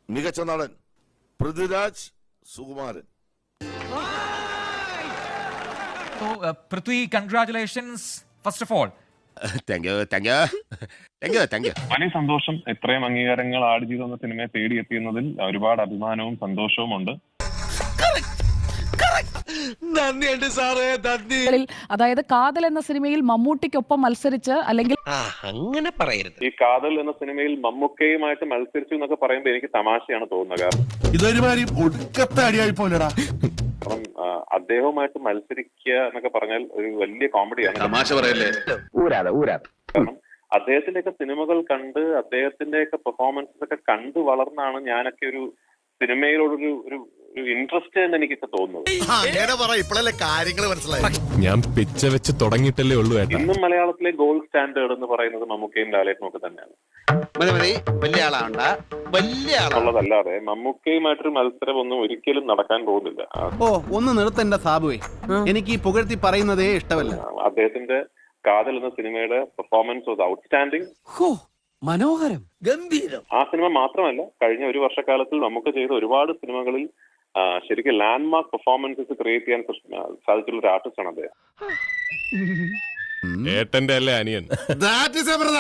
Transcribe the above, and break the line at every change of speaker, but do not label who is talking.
മികച്ച നടൻ Prithviraj Sukumaran.
So, Prithvi, congratulations first of all.
Thank you.
വലിയ സന്തോഷം. ഇത്രയും അംഗീകാരങ്ങൾ ആടുജീവിതം എന്ന സിനിമയെ തേടിയെത്തിയുന്നതിൽ ഒരുപാട് അഭിമാനവും സന്തോഷവും ഉണ്ട്.
അതായത് കാതൽ എന്ന സിനിമയിൽ മമ്മൂട്ടിക്കൊപ്പം മത്സരിച്ച് അല്ലെങ്കിൽ
അങ്ങനെ പറയരുത്.
ഈ കാതൽ എന്ന സിനിമയിൽ മമ്മൂക്കയുമായിട്ട് മത്സരിച്ചു എന്നൊക്കെ പറയുമ്പോൾ എനിക്ക് തമാശയാണ് തോന്നുന്നത്. കാരണം
ഇതൊരുമാതിരി ഒടുക്കത്തെ അടിയായി പോലെടാ.
കാരണം അദ്ദേഹവുമായിട്ട് മത്സരിക്കുക എന്നൊക്കെ പറഞ്ഞാൽ ഒരു വലിയ കോമഡിയാണ്.
തമാശ പറയല്ലേ.
കാരണം അദ്ദേഹത്തിന്റെയൊക്കെ സിനിമകൾ കണ്ട് അദ്ദേഹത്തിന്റെയൊക്കെ പെർഫോമൻസസ് ഒക്കെ കണ്ട് വളർന്നാണ് ഞാനൊക്കെ ഒരു സിനിമയിലോടൊരു ഒരു ഇൻട്രസ്റ്റ് എന്ന് എനിക്കൊക്കെ തോന്നുന്നത്.
ഞാൻ പിച്ച വെച്ച് തുടങ്ങിയിട്ടല്ലേ ഉള്ളൂ.
ഇന്നും മലയാളത്തിലെ ഗോൾഡ് സ്റ്റാൻഡേർഡ് എന്ന് പറയുന്നത് മമ്മൂക്കയും ലാലേട്ടനും ഒക്കെ തന്നെയാണ്. ഉള്ളതല്ലാതെ മമ്മൂക്കയുമായിട്ടൊരു മത്സരം ഒന്നും ഒരിക്കലും നടക്കാൻ പോകുന്നില്ല.
ഒന്ന് നിർത്തണ്ട സാബുവേ, എനിക്ക് ഈ പുകഴ്ത്തി പറയുന്നതേ ഇഷ്ടമല്ല.
അദ്ദേഹത്തിന്റെ കാതൽ എന്ന സിനിമയുടെ പെർഫോമൻസ് വാസ് ഔട്ട്സ്റ്റാൻഡിങ്.
മനോഹരം, ഗംഭീരം.
ആ സിനിമ മാത്രമല്ല, കഴിഞ്ഞ ഒരു വർഷക്കാലത്തിൽ നമുക്ക് ചെയ്ത ഒരുപാട് സിനിമകളിൽ ശരിക്കും ലാൻഡ്മാർക്ക് പെർഫോമൻസസ് ക്രിയേറ്റ് ചെയ്യാൻ സാധിച്ചുള്ള ഒരു ആർട്ടിസ്റ്റാണ് അദ്ദേഹം.
ഏട്ടന്റെ അല്ലേ അനിയൻ.